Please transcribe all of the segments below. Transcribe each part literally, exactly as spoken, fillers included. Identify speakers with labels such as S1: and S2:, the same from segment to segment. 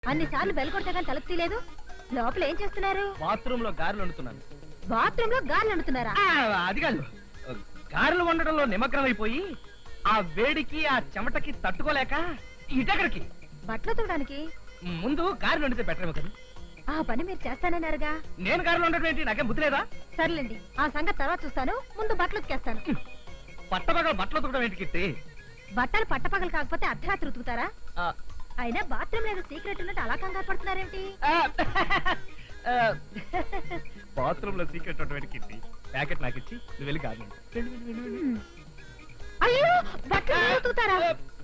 S1: అన్ని సార్లు బెల్ కొడితే కానీ తలుపు తీయలేదు. లోపల ఏం చేస్తున్నారు?
S2: బాత్రూమ్ లో గారెలు వండుతున్నాను.
S1: బాత్రూమ్ లో గారెలు వండుతున్నారా?
S2: అది కాదు, గారెలు వండడంలో నిమగ్నం అయిపోయి ఆ వేడికి ఆ చెమటకి తట్టుకోలేక ఇటెక్కడికి
S1: బట్టలు తోడానికి
S2: ముందు గారెలు వండితే బెటర్ కదా.
S1: ఆ పని మీరు చేస్తానన్నారుగా.
S2: నేను గారెలు వండడం ఏంటి? నాకేం బుద్ధి లేదా?
S1: సర్లేండి, ఆ సంగతి తర్వాత చూస్తాను. ముందు బట్టలు ఉతికేస్తాను.
S2: పట్టపగలు బట్టలు ఉతకడం ఏంటి కిట్టి?
S1: బట్టలు పట్టపగలు కాకపోతే అర్ధరాత్రి ఉతుకుతారా? అయినా బాత్రూమ్ లేదు సీక్రెట్ ఉన్నట్టు అలా కంగారు పడుతున్నారేమిటి?
S2: బాత్రూమ్ లో సీక్రెట్ ఉన్నటువంటి కిట్టి ప్యాకెట్ నాకు ఇచ్చి నువ్వు వెళ్ళి గారెలు.
S1: అయ్యో, బట్టలు ఉతుకుతారా?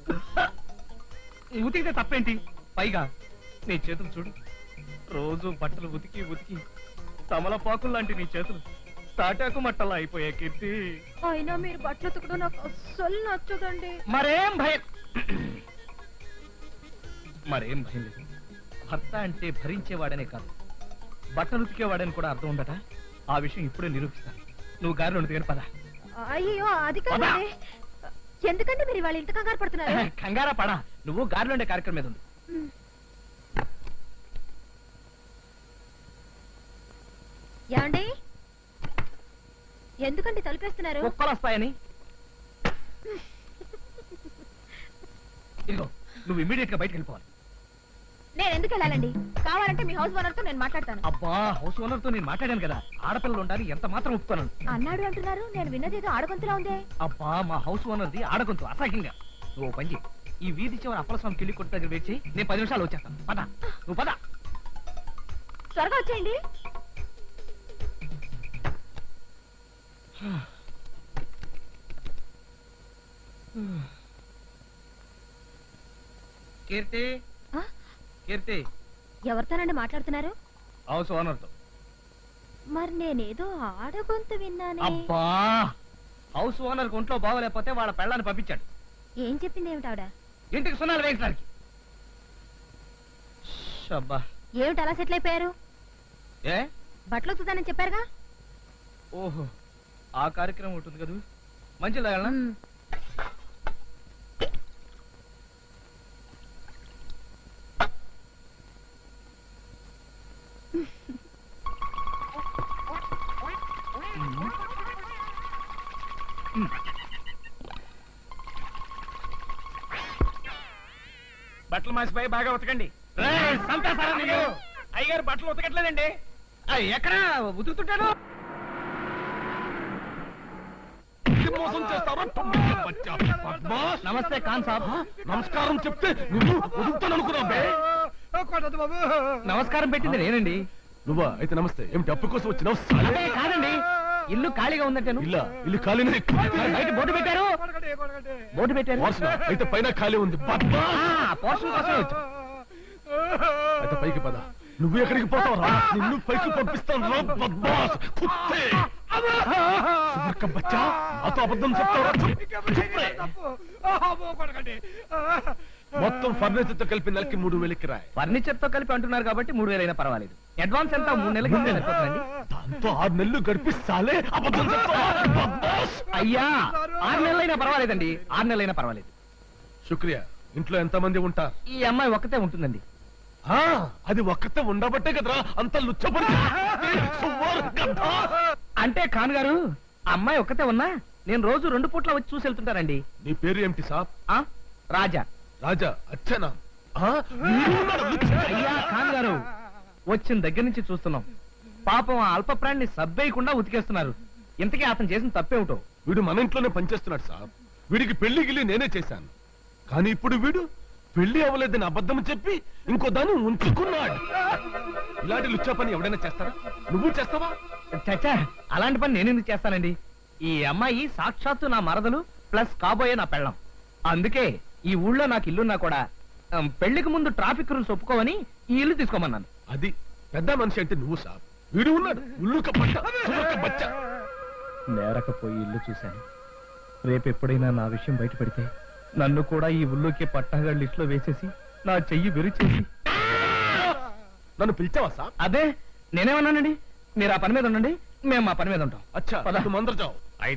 S2: ఉతికితే తప్పేంటి? పైగా నీ చేతులు చూడు, రోజు బట్టలు ఉతికి ఉతికి తమలపాకులు లాంటి నీ చేతులు తాటాకు మట్టలా అయిపోయా కీర్తి.
S1: అయినా మీరు బట్టలు ఉతకడం నాకు అస్సలు నచ్చదండి.
S2: మరేం భయం మరేం భయం లేదు. భర్త అంటే భరించేవాడనే కాదు, బట్టలు ఉతికేవాడని కూడా అర్థం ఉండట. ఆ విషయం ఇప్పుడే నిరూపిస్తాను. నువ్వు గారెలు ఉతికని పద.
S1: అయ్యో, అది కాదండి. ఎందుకంటే మీరు వాళ్ళు ఇంత కంగారు పడుతున్నారు?
S2: కంగారా పడా, నువ్వు గారెలు ఉండే కార్యక్రమం మీద ఉంది.
S1: ఏమండి, ఎందుకండి తలుపేస్తున్నారు?
S2: కుక్కలు వస్తాయని. ఇదిగో, నువ్వు ఇమ్మీడియట్ గా బయటకు వెళ్ళిపోవాలి.
S1: నేను ఎందుకు వెళ్ళాలండి? కావాలంటే మీ హౌస్ ఓనర్ తో నేను మాట్లాడతాను.
S2: అబ్బా, హౌస్ ఓనర్ తో నేను మాట్లాడాను కదా, ఆడపిల్లలు ఉండాలి, ఎంత మాత్రం ఒప్పుకోను
S1: అన్నాడు అంటున్నారు. నేను విన్నది ఏదో ఆడగొంతులా ఉంది.
S2: అబ్బా, మా హౌస్ ఓనర్ది ఆడగొంతు, అసహ్యంగా. నువ్వు పని చేయి, ఈ వీధి చివరి అప్పలస్వామి కిళ్ళి కొట్టు దగ్గర వేచి నేను పది నిమిషాలు వచ్చేస్తాను. పద, నువ్వు పద.
S1: త్వరగా వచ్చేయండి.
S2: కీర్తి, కీర్తి.
S1: ఎవరితోనండి మాట్లాడుతున్నారు?
S2: హౌస్ ఓనర్ తో.
S1: మరి నేనేదో ఆడగొంతు విన్నాను.
S2: అబ్బా, హౌస్ ఓనర్ ఒంట్లో బాగోలేకపోతే వాళ్ళ పెళ్ళాన్ని పంపించాడు.
S1: ఏం చెప్పింది ఏమిటి ఆవిడ?
S2: ఇంటికి సున్నాలు వేయించడానికి.
S1: ఏమిటి అలా సెటిల్ అయిపోయారు?
S2: ఏ,
S1: బట్టలు ఉతుకుతానని చెప్పారుగా.
S2: ఓహో, ఆ కార్యక్రమం ఉంటుంది కదా. మంచిదా? బట్టలు మాసిపోయి బాగా ఉతకండి. అయ్యగారు బట్టలు ఉతకట్లేదండి. ఎక్కడ ఉతుకుతుంటాడు? నమస్తే ఖాన్ సాబ్.
S3: నమస్కారం చెప్తే నువ్వు ఉదుకుతాను అనుకున్నావు.
S2: నమస్కారం పెట్టింది నేనండి.
S3: నువ్వా? అయితే నమస్తే. ఏమిటి అప్పు కోసం వచ్చినావు?
S2: కాదండి, ఇల్లు ఖాళీగా ఉందంటాను.
S3: ఇల్లా? ఇల్లు ఖాళీనే.
S2: బయట బోర్డు పెట్టారు. బోర్డు పెట్టారు.
S3: అయితే పైన ఖాళీ ఉంది.
S2: పోర్షన్ కోసం వచ్చా.
S3: అయితే పైకి పద. నువ్వు ఎక్కడికి పోతావురా? నిన్ను పైకి పంపిస్తాను. బచ్చా, నాతో అబద్ధం చెప్తావా? మొత్తం ఫర్నిచర్ తో కలిపి నెలకి మూడు వేలకి రాయి.
S2: ఫర్నిచర్ తో కలిపి అంటున్నారు కాబట్టి మూడు వేలైనా పర్వాలేదు. అడ్వాన్స్ ఎంత? మూడు నెలలకి సరిపోతుందండి.
S3: దాంతో ఆరు నెలలు గడిపిస్తాలే. అబద్ధం చెప్తావా?
S2: అయ్యా, ఆరు నెలలైనా పర్వాలేదండి. ఆరు నెలలైనా పర్వాలేదు.
S3: శుక్రియా. ఇంట్లో ఎంత మంది ఉంటారు?
S2: ఈ అమ్మాయి ఒక్కతే ఉంటుందండి.
S3: అది ఒక్కతే ఉండబట్టే కదరా అంత లుచ్చబడి.
S2: అంటే ఖాన్ గారు, అమ్మాయి ఒక్కతే ఉన్నా నేను రోజు రెండు పూట్ల వచ్చి చూసి వెళ్తుంటానండి.
S3: నీ పేరు ఏమిటి సాబ్?
S2: రాజా.
S3: రాజా? అచ్చనా?
S2: అయ్యా ఖాన్ గారు, వచ్చిన దగ్గర నుంచి చూస్తున్నాం. పాపం ఆ అల్ప ప్రాణిని సబ్బేయకుండా ఉతికేస్తున్నారు. ఇంతకీ అతను చేసిన తప్పేమిటో.
S3: వీడు మన ఇంట్లోనే పనిచేస్తున్నాడు సాబ్. వీడికి పెళ్లి గిల్లి నేనే చేశాను. కానీ ఇప్పుడు వీడు పెళ్లి అవ్వలేదని అబద్ధం చెప్పి ఇంకో దాన్ని ఉంచుకున్నాడు. ఇలాంటి లుచ్చా పని ఎవడైనా చేస్తారా? నువ్వు చేస్తావా?
S2: చచ్చా, అలాంటి పని నేను ఎందుకు చేస్తానండి? ఈ అమ్మాయి సాక్షాత్తు నా మరదలు ప్లస్ కాబోయే నా పెళ్ళం. అందుకే ఈ ఊళ్ళో నాకు ఇల్లున్నా కూడా పెళ్లికి ముందు ట్రాఫిక్ రూల్స్ ఒప్పుకోవని ఈ ఇల్లు తీసుకోమన్నాను.
S3: అది పెద్ద మనిషి అంటే నువ్వు సాబ్. వీడు ఉన్నాడు ఉల్లుక బచ్చ.
S2: నేరకపోయి ఇల్లు చూశాను. రేపు ఎప్పుడైనా నా విషయం బయటపడితే నన్ను కూడా ఈ ఊళ్ళోకి పట్టాగా లిస్ట్ లో వేసేసి నా చెయ్యి విరిచేసి.
S3: నన్ను పిలిచావా సాబ్?
S2: అదే నేనేమన్నానండి. మీరు ఆ పని మీద ఉండండి, మేము మా పని మీద ఉంటాం.
S3: అచ్చా, మందరు జావు.